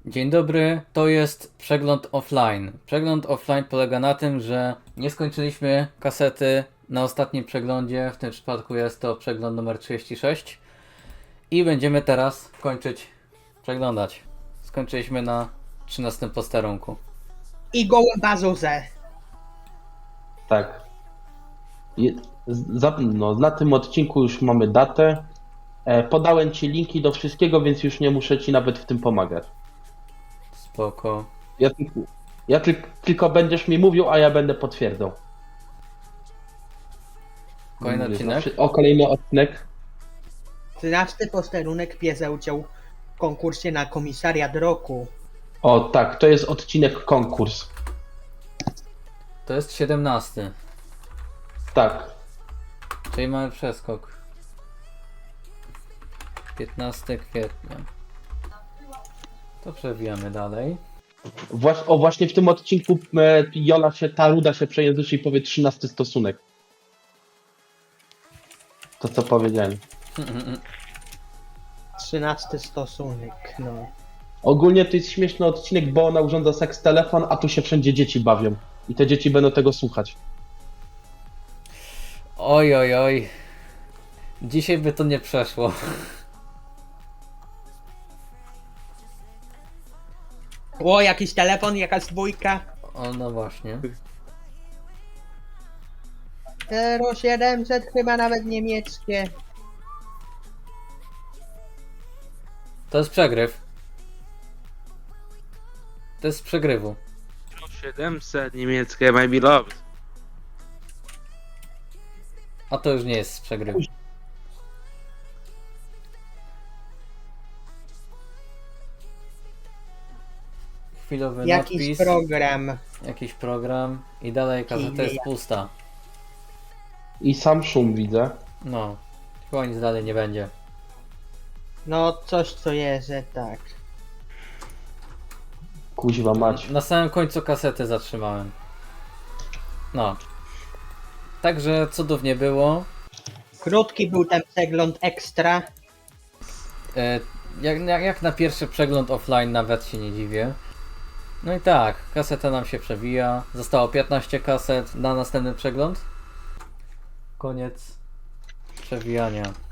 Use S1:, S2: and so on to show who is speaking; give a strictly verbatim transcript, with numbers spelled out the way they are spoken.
S1: Dzień dobry, to jest przegląd offline. Przegląd offline polega na tym, że nie skończyliśmy kasety na ostatnim przeglądzie, w tym przypadku jest to przegląd numer trzydzieści sześć i będziemy teraz kończyć przeglądać. Skończyliśmy na trzynastym posterunku.
S2: I gołą bazuzę.
S3: Tak. Je, za, no, na tym odcinku już mamy datę. E, podałem Ci linki do wszystkiego, więc już nie muszę Ci nawet w tym pomagać.
S1: Spoko.
S3: Ja, tylko- ja tyl, tylko będziesz mi mówił, a ja będę potwierdzał.
S1: Kolejny
S3: Mówię,
S1: odcinek?
S3: zawsze- O, kolejny odcinek.
S2: Trzynasty posterunek bierze udział w konkursie na komisariat roku.
S3: O, tak, to jest odcinek konkurs.
S1: To jest siedemnasty,
S3: Tak.
S1: czyli mamy przeskok. piętnastego kwietnia. To przewijamy dalej.
S3: Właś, o, właśnie w tym odcinku e, Jola się, ta ruda się przejęzyczy i powie trzynasty stosunek. To co powiedziałem.
S2: Trzynasty stosunek, no.
S3: Ogólnie to jest śmieszny odcinek, bo ona urządza seks telefon, a tu się wszędzie dzieci bawią. I te dzieci będą tego słuchać.
S1: Oj, oj, oj. Dzisiaj by to nie przeszło.
S2: O, jakiś telefon, jakaś dwójka.
S1: O, no właśnie.
S2: zero siedemset chyba nawet niemieckie.
S1: To jest przegryw. To jest z przegrywu.
S4: siedemset niemieckie, my beloved.
S1: A to już nie jest z przegrywu. Chwilowy
S2: Jakiś
S1: nadpis,
S2: program.
S1: jakiś program i dalej gazeta jest pusta.
S3: I sam szum widzę.
S1: No, chyba nic dalej nie będzie.
S2: No, coś co jest, że tak.
S3: Kuźwa mać.
S1: Na samym końcu kasety zatrzymałem. No. Także cudów nie było.
S2: Krótki był ten przegląd ekstra.
S1: E, jak, jak, jak na pierwszy przegląd offline nawet się nie dziwię. No i tak, kaseta nam się przewija. Zostało piętnaście kaset na następny przegląd. Koniec przewijania.